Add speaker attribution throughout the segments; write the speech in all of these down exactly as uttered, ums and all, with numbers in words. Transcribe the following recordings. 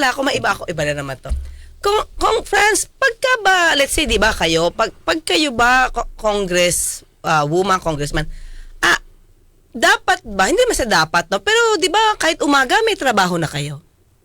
Speaker 1: pala ako, maiba ako, iba na naman to. Kung, kung friends, pagka ba, let's say, di ba kayo, pag, pag kayo ba, congress, uh, woman, congressman, ah, dapat ba, hindi naman sa dapat, no? Pero di ba, kahit umaga, may trabaho na kayo?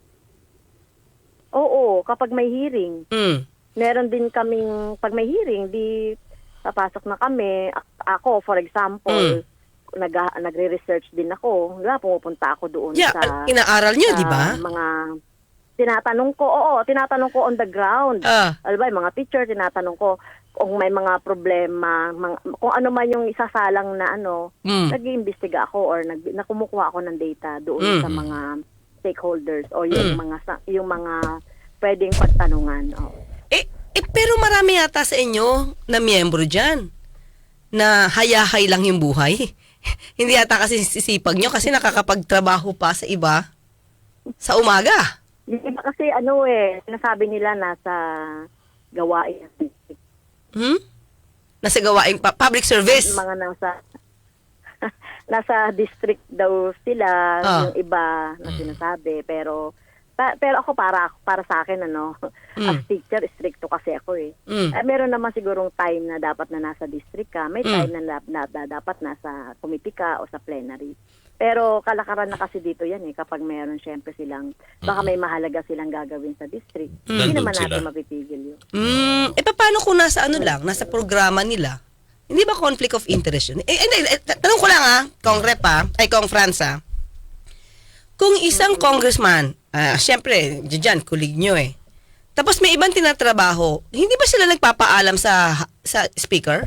Speaker 2: Oo, kapag may hearing.
Speaker 1: Mm.
Speaker 2: Meron din kaming, pag may hearing, di papasok na kami. A- ako, for example,
Speaker 1: Mm.
Speaker 2: nag, nagre-research din ako. Diba, pumupunta ako doon
Speaker 1: Yeah,
Speaker 2: sa...
Speaker 1: inaaral nyo,
Speaker 2: sa
Speaker 1: di ba?
Speaker 2: mga... Tinatanong ko, oo, tinatanong ko on the ground.
Speaker 1: Ah.
Speaker 2: Alam ba, yung mga teacher, tinatanong ko kung may mga problema, mga, kung ano man yung isasalang na ano,
Speaker 1: Mm.
Speaker 2: nag-iimbestiga ako or nag, nakumukuha ako ng data
Speaker 1: Mm.
Speaker 2: doon sa mga stakeholders o yung mm. mga sa- yung mga pwedeng pagtanungan. Oh.
Speaker 1: Eh, eh, pero marami yata sa inyo na miyembro dyan na hayahay lang yung buhay. Hindi yata kasi sisipag nyo kasi nakakapagtrabaho pa sa iba sa umaga.
Speaker 2: Yung iba kasi ano eh, sinasabi nila nasa gawain.
Speaker 1: Hmm? Nasa gawaing pa- public service.
Speaker 2: Mga nasa nasa district daw sila,
Speaker 1: Ah.
Speaker 2: yung iba na sinasabi. Pero pa, pero ako para para sa akin ano,
Speaker 1: Mm.
Speaker 2: as teacher stricto kasi ako eh.
Speaker 1: Mm.
Speaker 2: Eh, meron naman sigurong time na dapat na nasa district ka, may
Speaker 1: Mm.
Speaker 2: time na, na, na, na dapat nasa committee ka o sa plenary. Pero kalakaran na kasi dito yan eh, kapag meron syempre silang, baka may mahalaga silang gagawin sa district. Hindi
Speaker 3: Nandun
Speaker 2: naman natin
Speaker 3: sila.
Speaker 2: mapipigil yun.
Speaker 1: Mm, eh paano kung nasa ano lang, nasa programa nila? Hindi ba conflict of interest yun? Eh, eh, eh, tanong ko lang ah, Kong Rep ah, ay Kong Franz ah. Kung isang congressman, ah, syempre, dyan, kulig nyo eh. Tapos may ibang tinatrabaho, hindi ba sila nagpapaalam sa sa speaker?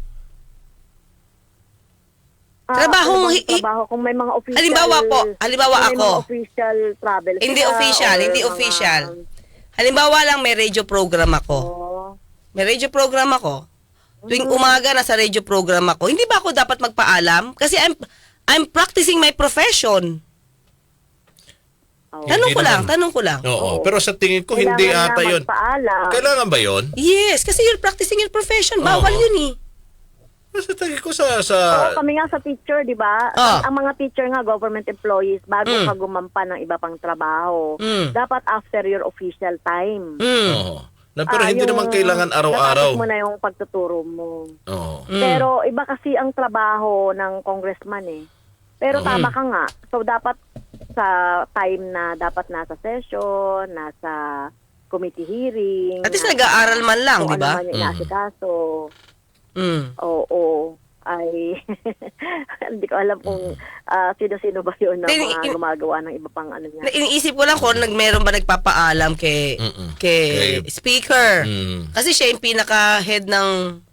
Speaker 2: Ah,
Speaker 1: Trabahong
Speaker 2: ano bang
Speaker 1: hi- hi-
Speaker 2: trabaho kung may mga official
Speaker 1: Halimbawa po, halimbawa
Speaker 2: kung may
Speaker 1: ako.
Speaker 2: mga official travel
Speaker 1: Hindi
Speaker 2: sila
Speaker 1: official,
Speaker 2: or
Speaker 1: hindi
Speaker 2: mga-
Speaker 1: official. Halimbawa lang may radio program ako.
Speaker 2: Oh.
Speaker 1: May radio program ako. Tuwing umaga nasa radio program ako. Hindi ba ako dapat magpaalam? Kasi I'm I'm practicing my profession.
Speaker 2: Oh.
Speaker 1: Tanong
Speaker 3: Hindi
Speaker 1: ko lang,
Speaker 3: naman.
Speaker 1: tanong ko lang.
Speaker 3: Oo,
Speaker 2: Oo.
Speaker 3: pero sa tingin ko
Speaker 2: Kailangan
Speaker 3: hindi
Speaker 2: na
Speaker 3: ata yun.
Speaker 2: magpaalam.
Speaker 3: Kailangan ba yun?
Speaker 1: Yes, kasi you're practicing your profession. Bawal
Speaker 3: Oo.
Speaker 1: yun eh.
Speaker 3: Sa tingin ko sa... sa
Speaker 2: Oo, kami nga sa teacher, di ba?
Speaker 1: Ah.
Speaker 2: Ang, ang mga teacher nga, government employees, bago
Speaker 1: Mm.
Speaker 2: ka gumampa ng iba pang trabaho,
Speaker 1: Mm.
Speaker 2: dapat after your official time.
Speaker 1: Mm.
Speaker 3: Oo. Na, pero
Speaker 2: Ah,
Speaker 3: hindi
Speaker 2: yung
Speaker 3: naman kailangan araw-araw.
Speaker 2: natapos mo na yung pagtuturo mo.
Speaker 3: Oo.
Speaker 1: Mm.
Speaker 2: Pero iba kasi ang trabaho ng congressman eh. Pero tama ka nga. So dapat sa time na dapat nasa session, nasa committee hearing.
Speaker 1: At least
Speaker 2: nasa-
Speaker 1: nag-aaral man lang,
Speaker 2: kung
Speaker 1: di ba?
Speaker 2: Ano man yung inaasikaso.
Speaker 1: Mm.
Speaker 2: Oo. Ay, hindi ko alam kung ah, sino-sino ba yun na
Speaker 1: Then,
Speaker 2: mga
Speaker 1: in-
Speaker 2: gumagawa ng iba pang ano niya.
Speaker 1: Na- Iniisip ko lang kung nag meron ba nagpapaalam kay
Speaker 3: Mm-mm.
Speaker 1: kay
Speaker 3: Kay-
Speaker 1: speaker.
Speaker 3: Mm.
Speaker 1: Kasi siya yung pinaka-head ng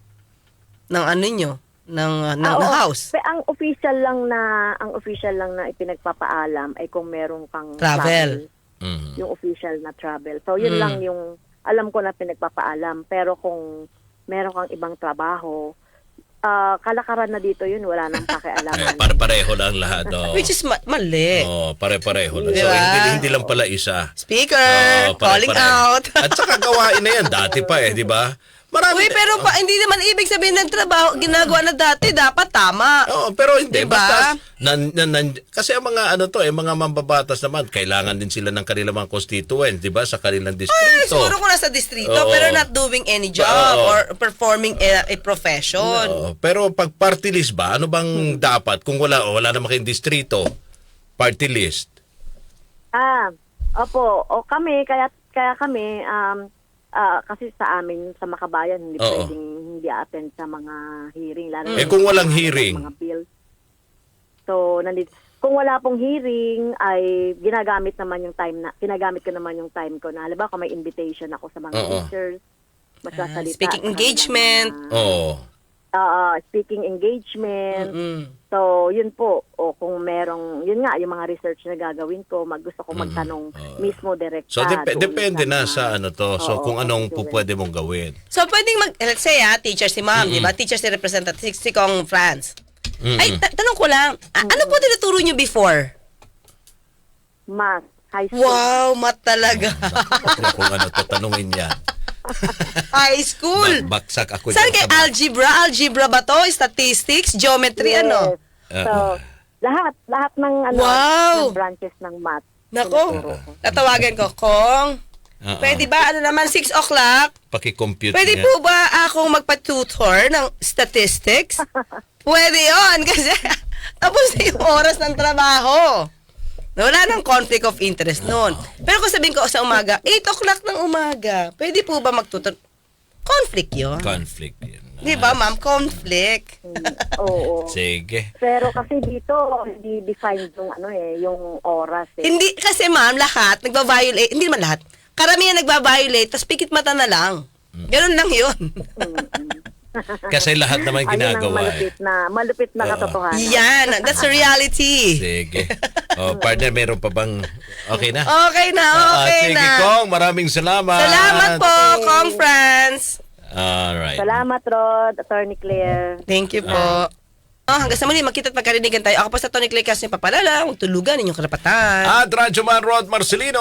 Speaker 1: ng ano nyo, ng uh, ng,
Speaker 2: Ah,
Speaker 1: ng
Speaker 2: oo.
Speaker 1: house.
Speaker 2: Pe, ang official lang na ang official lang na ipinagpapaalam ay kung meron kang
Speaker 1: Travel.
Speaker 3: Mhm.
Speaker 2: yung official na travel. So yun
Speaker 1: Mm.
Speaker 2: lang yung alam ko na pinagpapaalam. Pero kung meron kang ibang trabaho, ah, kalakaran na dito yun, wala nang
Speaker 3: Eh,
Speaker 2: pakialaman.
Speaker 3: pare-pareho lang lahat. Oo.
Speaker 1: Which is ma- mali.
Speaker 3: Oo, pare-pareho lang.
Speaker 1: Di
Speaker 3: So,
Speaker 1: ba?
Speaker 3: hindi, hindi lang pala isa.
Speaker 1: Speaker,
Speaker 3: Oo,
Speaker 1: calling
Speaker 3: pare-pareho.
Speaker 1: out.
Speaker 3: At saka gawain na yan. Dati pa eh, di ba? Marami.
Speaker 1: Uy, pero pa, hindi naman ibig sabihin ng trabaho, ginagawa na dati, dapat tama.
Speaker 3: Oo, pero hindi.
Speaker 1: Diba?
Speaker 3: Basta, nan, nan, nan- kasi ang mga ano to, eh, mga mambabatas naman, kailangan din sila ng kanilang mga constituents, di ba? Sa kanilang
Speaker 1: Eh,
Speaker 3: distrito.
Speaker 1: siguro kung nasa distrito,
Speaker 3: Oo.
Speaker 1: pero not doing any job
Speaker 3: Oo.
Speaker 1: or performing a, a profession.
Speaker 3: Oo, pero pag party list ba, ano bang dapat? Kung wala, o wala naman kayong distrito, party list.
Speaker 2: Ah, opo. O kami, kaya kaya kami, um, ah, kasi sa amin, sa Makabayan, hindi
Speaker 3: Oo.
Speaker 2: pwedeng hindi attend sa mga hearing. Lalo
Speaker 3: Eh,
Speaker 2: na
Speaker 3: kung
Speaker 2: sa
Speaker 3: walang
Speaker 2: mga-
Speaker 3: hearing?
Speaker 2: Mga bills. So, nandito. Kung wala pong hearing, ay ginagamit naman yung time na, ginagamit ko naman yung time ko na, halimbawa kung may invitation ako sa mga
Speaker 3: Oo.
Speaker 2: teachers, magsasalita.
Speaker 1: Ah, speaking
Speaker 2: sa kanilang
Speaker 1: engagement.
Speaker 2: mga-
Speaker 3: Oo.
Speaker 2: Oo, speaking engagement.
Speaker 1: Mm.
Speaker 2: So, yun po. O kung merong, yun nga, yung mga research na gagawin ko, mag, gusto ko magtanong
Speaker 3: Oo.
Speaker 2: mismo direkta.
Speaker 3: So, dep-
Speaker 2: doon
Speaker 3: depende
Speaker 2: sa
Speaker 3: na
Speaker 2: mga-
Speaker 3: sa ano to. So,
Speaker 2: Oo,
Speaker 3: kung anong
Speaker 2: constituents.
Speaker 3: pu- pwede mong gawin.
Speaker 1: So, pwedeng mag, let's say ah, teacher si ma'am, di ba? Teacher si representative, si, si Kong Franz.
Speaker 3: Mm-mm.
Speaker 1: Ay, ta- tanong ko lang, a- ano po tinuturo nyo before?
Speaker 2: Math, high school.
Speaker 1: Wow, mat talaga.
Speaker 3: Naku, kung ano to, tanungin yan.
Speaker 1: High school.
Speaker 3: Ba- baksak ako
Speaker 1: Saan
Speaker 3: dyan
Speaker 1: kay
Speaker 3: sa math.
Speaker 1: algebra? Algebra ba to? Statistics? Geometry?
Speaker 2: Yes.
Speaker 1: Ano?
Speaker 2: So, lahat, lahat ng, ano,
Speaker 1: Wow.
Speaker 2: ng branches ng math.
Speaker 1: Nako, tatawagan ko, Kong,
Speaker 3: Oo.
Speaker 1: pwede ba, ano naman, six o'clock?
Speaker 3: Paki-compute
Speaker 1: Pwede
Speaker 3: niya.
Speaker 1: po ba akong magpa-tutor ng statistics? Pwede yon kasi tapos na yung oras ng trabaho. Wala nang conflict of interest noon. Pero kung sabihin ko sa umaga, eight o'clock ng umaga, pwede po ba magtutor? Conflict yun.
Speaker 3: Conflict yun.
Speaker 1: Di ba, ma'am? Conflict.
Speaker 2: Oo.
Speaker 3: Sige.
Speaker 2: Pero kasi dito, hindi defined yung ano eh, yung oras eh.
Speaker 1: Hindi, kasi ma'am, lahat nagba-violate, hindi naman lahat, karamihan nagba-violate, tapos pikit mata na lang. Ganun lang yun.
Speaker 3: Kasi lahat naman
Speaker 2: Ano nang
Speaker 3: ginagawa eh.
Speaker 2: malupit na, malupit na
Speaker 3: Oo.
Speaker 2: katotohanan.
Speaker 1: Yan, that's the reality.
Speaker 3: Sige. Oh, partner, meron pa bang okay na?
Speaker 1: Okay na,
Speaker 3: Ah,
Speaker 1: okay
Speaker 3: sige,
Speaker 1: na.
Speaker 3: Kong, maraming salamat.
Speaker 1: Salamat po, Kong France.
Speaker 3: Alright.
Speaker 2: Salamat, Rod, Attorney Claire.
Speaker 1: Thank you po. Oh, hanggang sa muli, magkita at magkarinigan tayo. Ako po sa Tony Clay Castro, papalala, huwag tulugan inyong karapatan.
Speaker 3: At Radyo Man Rod Marcelino.